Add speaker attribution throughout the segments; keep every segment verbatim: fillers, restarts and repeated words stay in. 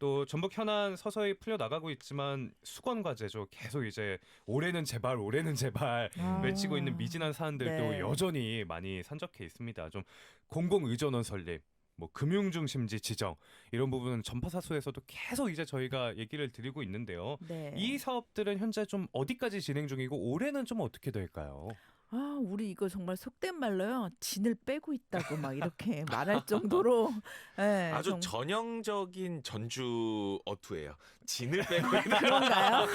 Speaker 1: 또 전북 현안 서서히 풀려 나가고 있지만 수건 과제죠. 계속 이제 올해는 제발 올해는 제발
Speaker 2: 아.
Speaker 1: 외치고 있는 미진한 사안들도
Speaker 2: 네.
Speaker 1: 여전히 많이 산적해 있습니다. 좀 공공의전원 설립, 뭐 금융중심지 지정 이런 부분은 전파사소에서도 계속 이제 저희가 얘기를 드리고 있는데요.
Speaker 2: 네.
Speaker 1: 이 사업들은 현재 좀 어디까지 진행 중이고 올해는 좀 어떻게 될까요?
Speaker 2: 아, 우리 이거 정말 속된 말로요. 진을 빼고 있다고 막 이렇게 말할 정도로 네,
Speaker 3: 아주
Speaker 2: 정...
Speaker 3: 전형적인 전주 어투예요. 진을 빼고 있는
Speaker 2: 그런가요?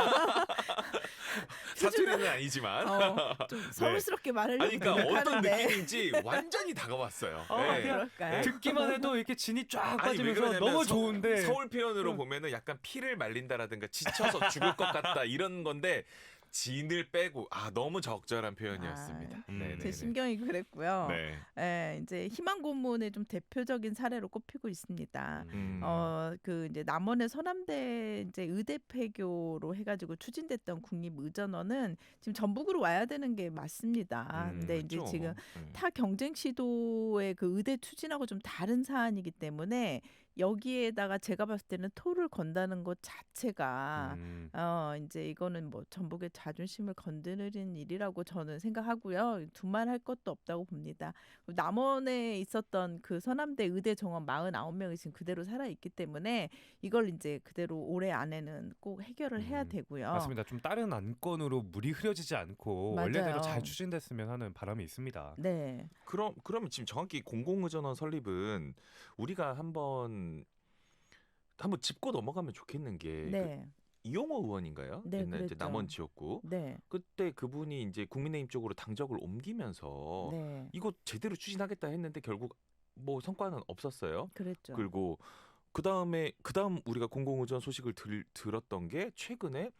Speaker 3: 사투리는 아니지만
Speaker 2: 어, 좀 서울스럽게 말하려고
Speaker 3: 아니, 그러니까 어떤
Speaker 2: 노력하는데.
Speaker 3: 느낌인지 완전히 다가왔어요.
Speaker 1: 어,
Speaker 3: 네.
Speaker 2: 그럴까요?
Speaker 1: 듣기만 해도 이렇게 진이 쫙
Speaker 3: 아니, 왜
Speaker 1: 빠지면서
Speaker 3: 그러냐면
Speaker 1: 너무
Speaker 3: 서,
Speaker 1: 좋은데
Speaker 3: 서울 표현으로 보면은 약간 피를 말린다라든가 지쳐서 죽을 것 같다 이런 건데 진을 빼고 아 너무 적절한 표현이었습니다.
Speaker 2: 아,
Speaker 3: 음.
Speaker 2: 제 심경이 그랬고요.
Speaker 3: 네.
Speaker 2: 예, 이제 희망 고문의 좀 대표적인 사례로 꼽히고 있습니다.
Speaker 3: 음.
Speaker 2: 어, 그 이제 남원의 서남대 이제 의대 폐교로 해가지고 추진됐던 국립의전원은 지금 전북으로 와야 되는 게 맞습니다.
Speaker 3: 음,
Speaker 2: 근데 이제
Speaker 3: 그렇죠.
Speaker 2: 지금
Speaker 3: 음.
Speaker 2: 타 경쟁 시도의 그 의대 추진하고 좀 다른 사안이기 때문에 여기에다가 제가 봤을 때는 토를 건다는 것 자체가
Speaker 1: 음.
Speaker 2: 어 이제 이거는 뭐 전북의 자존심을 건드리는 일이라고 저는 생각하고요. 두말할 것도 없다고 봅니다. 남원에 있었던 그 서남대 의대 정원 사십구 명이 지금 그대로 살아 있기 때문에 이걸 이제 그대로 올해 안에는 꼭 해결을 해야
Speaker 1: 음,
Speaker 2: 되고요.
Speaker 1: 맞습니다. 좀 다른 안건으로 물이 흐려지지 않고
Speaker 2: 맞아요.
Speaker 1: 원래대로 잘 추진됐으면 하는 바람이 있습니다.
Speaker 2: 네.
Speaker 3: 그럼 그러면 지금 정확히 공공의전원 설립은 우리가 한번 한번 짚고 넘어가면 좋겠는 게
Speaker 2: 네.
Speaker 3: 그 이용호 의원인가요?
Speaker 2: 네,
Speaker 3: 옛날 이제
Speaker 2: 그랬죠.
Speaker 3: 남원 지역구.
Speaker 2: 네.
Speaker 3: 그때 그분이 이제 국민의힘 쪽으로 당적을 옮기면서
Speaker 2: 네.
Speaker 3: 이거 제대로 추진하겠다 했는데 결국 뭐 성과는 없었어요.
Speaker 2: 그랬죠.
Speaker 3: 그리고 그 다음에 그 다음 우리가 공공의전 소식을 들, 들었던 게 최근에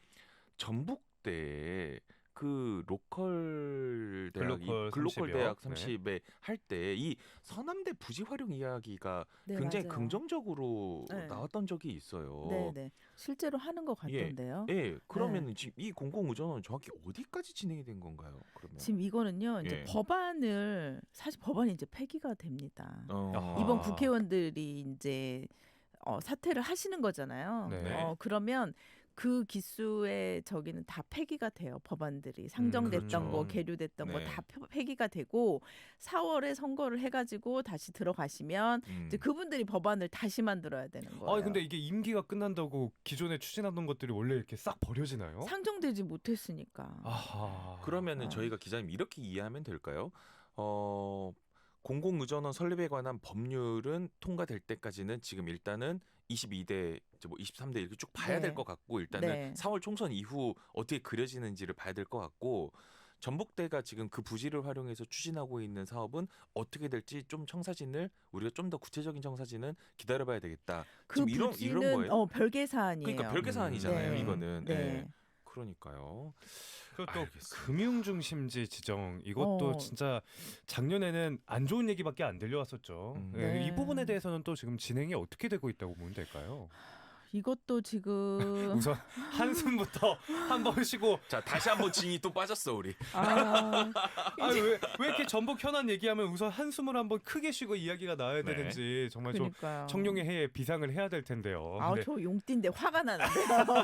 Speaker 3: 전북대 그 로컬 대학,
Speaker 1: 글로컬
Speaker 3: 글로컬
Speaker 1: 삼십이요.
Speaker 3: 대학
Speaker 1: 네.
Speaker 3: 삼십에 할 때 이 서남대 부지 활용 이야기가
Speaker 2: 네,
Speaker 3: 굉장히
Speaker 2: 맞아요.
Speaker 3: 긍정적으로
Speaker 2: 네.
Speaker 3: 나왔던 적이 있어요.
Speaker 2: 네, 네. 실제로 하는 것 같던데요.
Speaker 3: 예, 그러면
Speaker 2: 네.
Speaker 3: 지금 이 공공의전은 정확히 어디까지 진행이 된 건가요? 그러면
Speaker 2: 지금 이거는요. 이제
Speaker 3: 예.
Speaker 2: 법안을 사실 법안이 이제 폐기가 됩니다.
Speaker 3: 어.
Speaker 2: 이번 국회의원들이 이제 어, 사퇴를 하시는 거잖아요.
Speaker 1: 네.
Speaker 2: 어, 그러면 그 기수의 저기는 다 폐기가 돼요. 법안들이 상정됐던
Speaker 3: 그렇죠.
Speaker 2: 거, 계류됐던
Speaker 3: 네.
Speaker 2: 거 다 폐기가 되고 사월에 선거를 해가지고 다시 들어가시면
Speaker 3: 음.
Speaker 2: 이제 그분들이 법안을 다시 만들어야 되는 거예요.
Speaker 1: 아 근데 이게 임기가 끝난다고 기존에 추진하던 것들이 원래 이렇게 싹 버려지나요?
Speaker 2: 상정되지 못했으니까.
Speaker 1: 아하.
Speaker 3: 그러면은
Speaker 2: 어.
Speaker 3: 저희가 기자님 이렇게 이해하면 될까요? 어, 공공의전원 설립에 관한 법률은 통과될 때까지는 지금 일단은 이십이 대, 뭐 이십삼 대 이렇게 쭉 봐야
Speaker 2: 네.
Speaker 3: 될 것 같고 일단은
Speaker 2: 네.
Speaker 3: 사월 총선 이후 어떻게 그려지는지를 봐야 될 것 같고 전북대가 지금 그 부지를 활용해서 추진하고 있는 사업은 어떻게 될지 좀 청사진을 우리가 좀 더 구체적인 청사진은 기다려봐야 되겠다.
Speaker 2: 그
Speaker 3: 지금 이런
Speaker 2: 부지는
Speaker 3: 이런 거예요.
Speaker 2: 어, 별개 사안이에요.
Speaker 3: 그러니까 별개 사안이잖아요.
Speaker 2: 네.
Speaker 3: 이거는.
Speaker 2: 네.
Speaker 3: 네. 그러니까요.
Speaker 1: 그리고 또
Speaker 3: 알겠습니다.
Speaker 1: 금융중심지 지정 이것도
Speaker 2: 어.
Speaker 1: 진짜 작년에는 안 좋은 얘기밖에 안 들려왔었죠.
Speaker 3: 음.
Speaker 1: 예,
Speaker 2: 네.
Speaker 1: 이 부분에 대해서는 또 지금 진행이 어떻게 되고 있다고 보면 될까요?
Speaker 2: 이것도 지금
Speaker 1: 우선 한숨부터 한 번 쉬고
Speaker 3: 자 다시 한번 진이 또 빠졌어 우리.
Speaker 2: 아,
Speaker 1: 아니, 왜, 왜 이렇게 전북 현안 얘기하면 우선 한숨을 한번 크게 쉬고 이야기가 나와야
Speaker 3: 네.
Speaker 1: 되는지 정말 좀
Speaker 2: 그러니까요.
Speaker 1: 청룡의 해에 비상을 해야 될 텐데요.
Speaker 2: 아,
Speaker 1: 근데
Speaker 2: 저 용띠인데 화가 나는데요.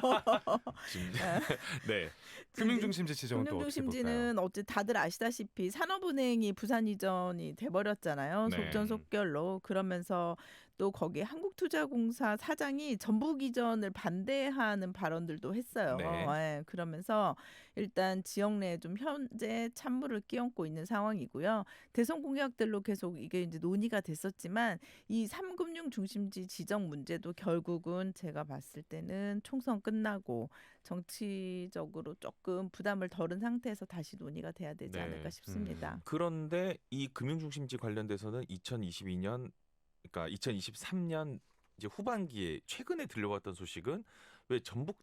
Speaker 3: 지금 네.
Speaker 1: 금융중심지 지정은 또 어떻게 볼까요?
Speaker 2: 금융중심지는 어째 다들 아시다시피 산업은행이 부산 이전이 돼버렸잖아요.
Speaker 3: 네.
Speaker 2: 속전속결로. 그러면서 또 거기에 한국투자공사 사장이 전북 이전을 반대하는 발언들도 했어요.
Speaker 3: 네.
Speaker 2: 예, 그러면서 일단 지역 내에 좀 현재 찬물을 끼얹고 있는 상황이고요. 대선 공약들로 계속 이게 이제 논의가 됐었지만 이 삼금융 중심지 지정 문제도 결국은 제가 봤을 때는 총선 끝나고 정치적으로 조금 부담을 덜은 상태에서 다시 논의가 돼야 되지
Speaker 3: 네.
Speaker 2: 않을까 싶습니다.
Speaker 3: 그런데 이 금융중심지 관련돼서는 이천이십이 년 그러니까 이천이십삼 년 이제 후반기에 최근에 들려왔던 소식은 왜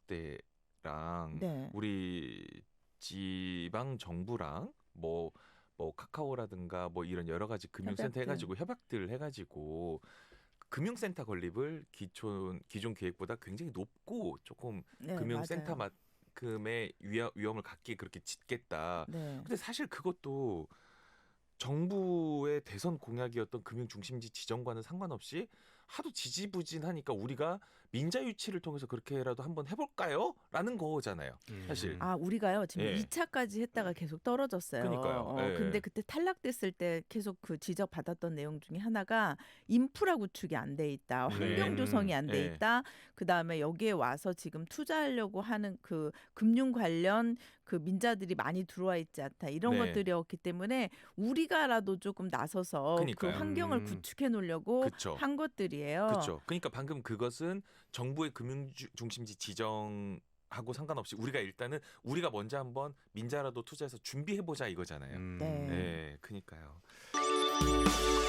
Speaker 3: 전북대랑
Speaker 2: 네.
Speaker 3: 우리 지방 정부랑 뭐 뭐 카카오라든가 뭐 이런 여러 가지 금융센터
Speaker 2: 협약들.
Speaker 3: 해가지고 협약들 해가지고 금융센터 건립을 기존 기존 계획보다 굉장히 높고 조금
Speaker 2: 네,
Speaker 3: 금융센터만큼의 위험, 위험을 갖게 그렇게 짓겠다.
Speaker 2: 네.
Speaker 3: 근데 사실 그것도 정부의 대선 공약이었던 금융중심지 지정과는 상관없이 하도 지지부진하니까 우리가 민자 유치를 통해서 그렇게라도 한번 해볼까요? 라는 거잖아요. 사실.
Speaker 2: 아 우리가요 지금
Speaker 3: 예.
Speaker 2: 이 차까지 했다가 계속 떨어졌어요.
Speaker 3: 그러니까요.
Speaker 2: 어,
Speaker 3: 예.
Speaker 2: 근데 그때 탈락됐을 때 계속 그 지적 받았던 내용 중에 하나가 인프라 구축이 안 돼 있다,
Speaker 1: 네.
Speaker 2: 환경 조성이 안 돼
Speaker 3: 예.
Speaker 2: 있다. 그 다음에 여기에 와서 지금 투자하려고 하는 그 금융 관련 그 민자들이 많이 들어와 있지 않다 이런
Speaker 3: 네.
Speaker 2: 것들이었기 때문에 우리가라도 조금 나서서 그
Speaker 3: 그러니까요.
Speaker 2: 환경을
Speaker 1: 음.
Speaker 2: 구축해 놓으려고
Speaker 3: 그쵸.
Speaker 2: 한 것들이에요.
Speaker 3: 그렇죠. 그러니까 방금 그것은 정부의 금융 주- 중심지 지정하고 상관없이 우리가 일단은 우리가 먼저 한번 민자라도 투자해서 준비해 보자 이거잖아요.
Speaker 1: 음.
Speaker 2: 네.
Speaker 3: 네, 그러니까요.